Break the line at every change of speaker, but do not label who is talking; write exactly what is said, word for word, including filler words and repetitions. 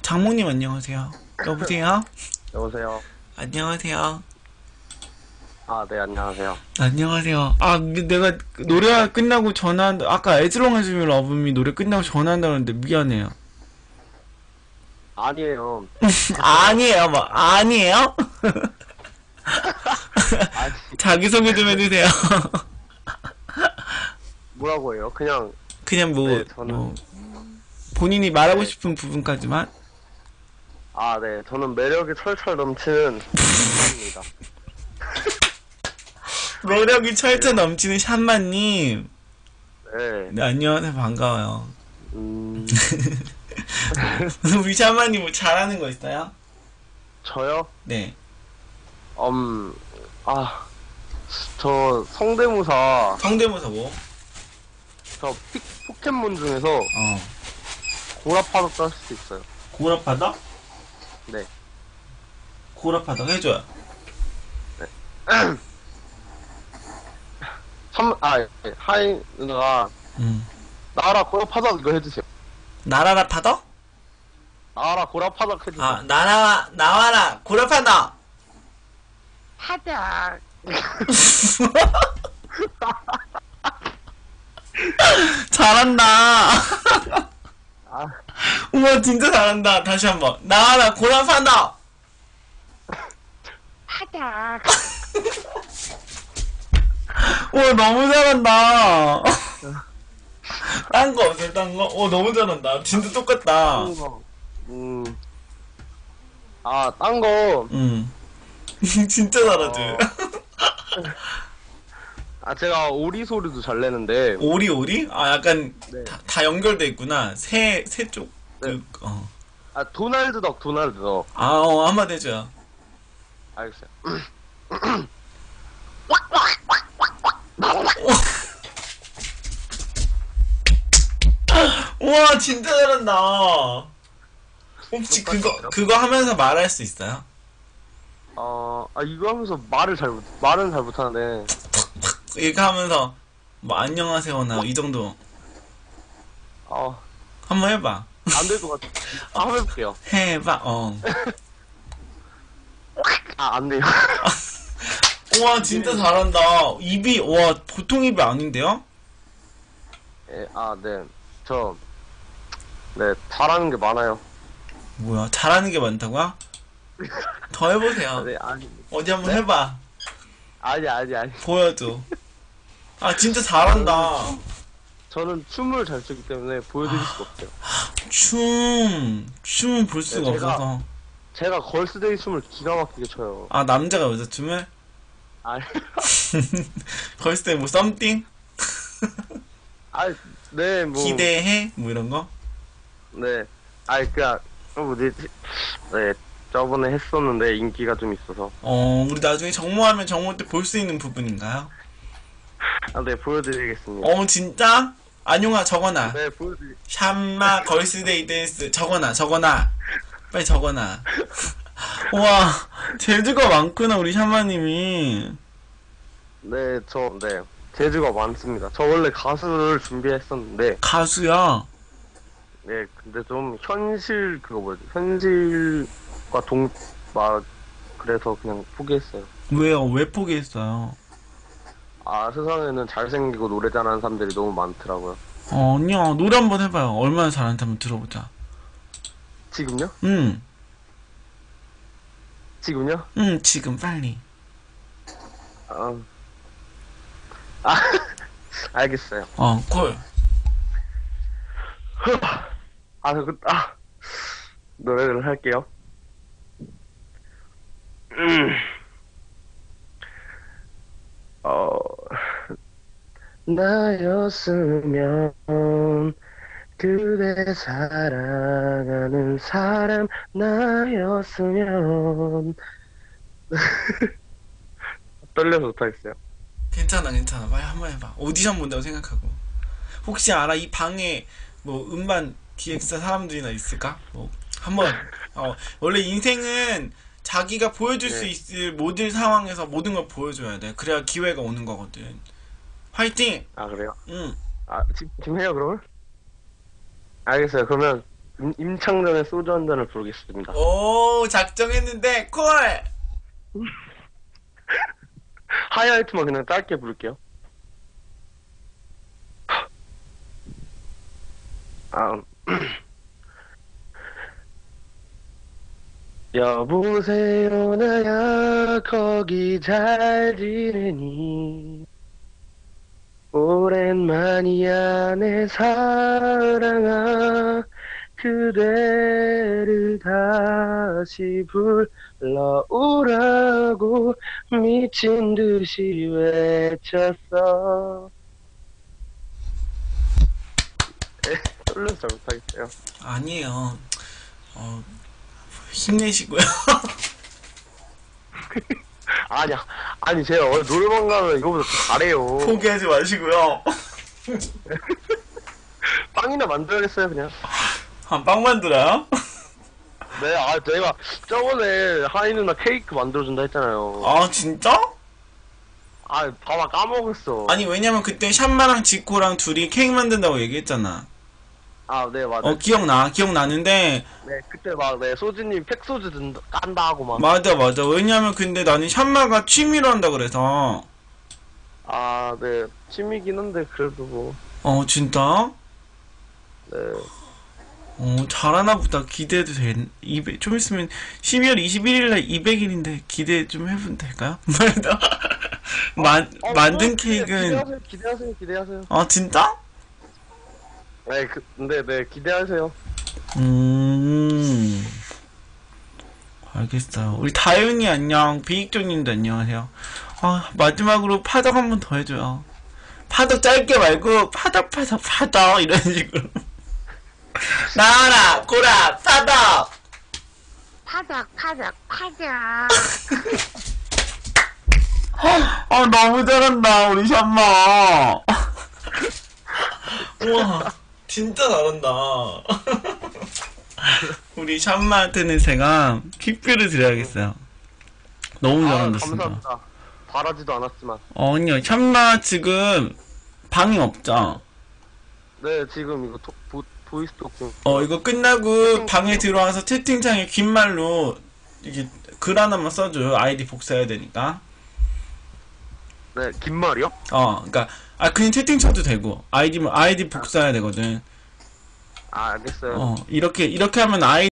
장모님 안녕하세요. 여보세요?
여보세요.
안녕하세요.
아, 네, 안녕하세요.
안녕하세요. 아, 내가 노래가 끝나고 전화한다. 아까 As Long As You Love Me 노래 끝나고 전화한다는데 미안해요.
아니에요.
아니에요, 뭐 아니에요?
아니,
자기소개 좀 해주세요.
뭐라고 해요? 그냥,
그냥 뭐,
네, 저는-
뭐 본인이 말하고
네.
싶은 부분까지만.
아, 네, 저는 매력이 철철 넘치는 사람입니다.
매력이 철철 넘치는 샴마님.
네,
네, 안녕하세요. 반가워요.
음,
우리 샴마님 뭐 잘하는 거 있어요?
저요?
네.
음, 아, 저 성대모사,
성대모사 뭐?
저 픽, 포켓몬 중에서
어.
고라파덕 짤 수 있어요.
고라파덕?
네.
고라파덕 해줘요.
참, 아, 예, 하이 누나가,
음.
나라 고라파덕 이거 해주세요.
나라라 파덕?
나라 고라파덕 해주세요.
아, 나라, 나와라, 고라파덕!
하자.
잘한다.
아,
우와, 진짜 잘한다. 다시 한 번. 나와라, 고라파덕!
하자.
우와, 너무 잘한다. 딴 거 없어요, 딴 거? 오, 너무 잘한다. 진짜 똑같다.
딴 거. 음. 아, 딴 거.
음. 진짜 잘하지.
어. 아, 제가 오리 소리도 잘 내는데.
오리, 오리? 아, 약간,
네.
다, 다 연결돼 있구나. 새, 새 쪽.
네.
그, 어.
아, 도날드 덕, 도날드 덕.
아, 어, 한마디 해줘요.
알겠어요.
우와, 진짜 잘한다. 혹시 그거,
똑같은데요?
그거 하면서 말할 수 있어요?
어, 아, 이거 하면서 말을 잘 못, 말은 잘 못하는데.
이렇게 하면서, 뭐, 안녕하세요나, 이 정도.
어,
한번 해봐.
안 될 것 같아. 아, 한번 해볼게요.
해봐, 어.
아, 안 돼요.
우와, 진짜 잘한다. 입이, 와, 보통 입이 아닌데요?
예, 아, 네. 저, 네, 잘하는 게 많아요.
뭐야, 잘하는 게 많다고요? 더 해보세요.
네, 아니,
어디 한번
네?
해봐.
아니, 아니, 아니.
보여줘. 아, 진짜 잘한다.
저는 춤을 잘 추기 때문에 보여드릴 수가 없어요.
춤, 춤은 볼 수가
네, 제가-
없어서.
제가 걸스데이 춤을 기가 막히게 춰요.
아, 남자가 여자 춤을?
아,
걸스 때 뭐, 썸띵?
아, 네, 뭐.
기대해? 뭐 이런 거?
네. 아, 그니까, 어, 뭐지, 네, 저번에 했었는데 인기가 좀 있어서.
어, 우리 나중에 정모하면 정모 때 볼 수 있는 부분인가요?
아, 네, 보여드리겠습니다.
어, 진짜? 안용아, 적어놔.
네, 보여드리,
샴마, 걸스데이 댄스. 적어놔, 적어놔. 빨리 적어놔. 우와, 재주가 많구나, 우리 샴마님이.
네, 저, 네. 재주가 많습니다. 저 원래 가수를 준비했었는데,
가수야.
네, 근데 좀 현실, 그거 뭐지, 현실과 동, 막, 그래서 그냥 포기했어요.
왜요? 왜 포기했어요?
아, 세상에는 잘생기고 노래 잘하는 사람들이 너무 많더라고요.
어, 아니야. 노래 한번 해봐요. 얼마나 잘하는지 한번 들어보자.
지금요?
응,
지금요?
응, 지금 빨리.
아, 아 알겠어요.
어, 콜.
아, 그, 아, 노래를 할게요. 음, 어, 나였으면 그대 사랑하는 사람 나였으면 떨려서 못하겠어요.
괜찮아, 괜찮아. 빨리 한번 해봐. 오디션 본다고 생각하고. 혹시 알아? 이 방에 뭐 음반 기획사 사람들이나 있을까? 뭐 한번. 어, 원래 인생은 자기가 보여줄 수
네.
있을 모든 상황에서 모든 걸 보여줘야 돼. 그래야 기회가 오는 거거든. 화이팅!
아, 그래요?
응.
아, 지, 지금 해요, 그러면? 알겠어요. 그러면 임, 임창정의 소주 한 잔을 부르겠습니다.
오, 작정했는데 콜.
하이라이트만 그냥 짧게 부를게요. 아, 여보세요 나야 거기 잘 지내니 오랜만이야 내 사랑아 그대를 다시 불러오라고 미친 듯이 외쳤어. 에, 떨려서 잘 못하겠어요.
아니에요. 어, 힘내시고요.
아니야, 아니 제가 원래 노래방 가면 이거보다 더 잘해요.
포기하지 마시고요.
빵이나 만들어야겠어요 그냥.
한 빵 만들어요?
네, 아 제가 저번에 하이 누나 케이크 만들어준다 했잖아요.
아, 진짜?
아 봐봐 까먹었어.
아니, 왜냐면 그때 샴마랑 지코랑 둘이 케이크 만든다고 얘기했잖아.
아 네 맞아.
어, 기억나. 기억나는데,
네 그때 막 네 소주님 팩소주 든 깐다 하고 막.
맞아, 맞아. 왜냐면 근데 나는 샴마가 취미로 한다 그래서.
아 네 취미긴 한데 그래도 뭐.
어, 진짜?
네.
어, 잘하나 보다. 기대해도 돼. 이백, 좀 있으면 십이월 이십일일날 이백 일인데 기대 좀 해보면 될까요? 만,
어,
만든
뭐, 기대-
케이크는,
기대하세요 기대하세요 기대하세요.
아, 진짜?
네 그, 근데 네 기대하세요.
음, 알겠어요. 우리 다윤이 안녕, 비익조님도 안녕하세요. 아, 마지막으로 파덕 한 번 더 해줘요. 파덕 짧게 말고, 파덕, 파덕, 파덕, 이런 식으로. 나와라, 고라, 파덕!
파덕 파덕 파덕
아, 너무 잘한다, 우리 샴마. 우와, 진짜 잘한다. 우리 샴마한테는 제가 퀵뷰를 드려야겠어요. 너무
아
잘한다, 진짜.
감사합니다. 바라지도 않았지만.
어, 아니요, 샴마 지금 방이 없죠?
네 지금 이거 토, 보, 보이스톡 좀.
어, 이거 끝나고 방에 들어와서 채팅창에 긴 말로 이게 글 하나만 써줘요. 아이디 복사해야 되니까.
네 긴 말이요?
어, 그니까, 아, 그냥 채팅 쳐도 되고, 아이디, 아이디 복사해야 되거든.
아 알겠어요.
어, 이렇게, 이렇게 하면 아이디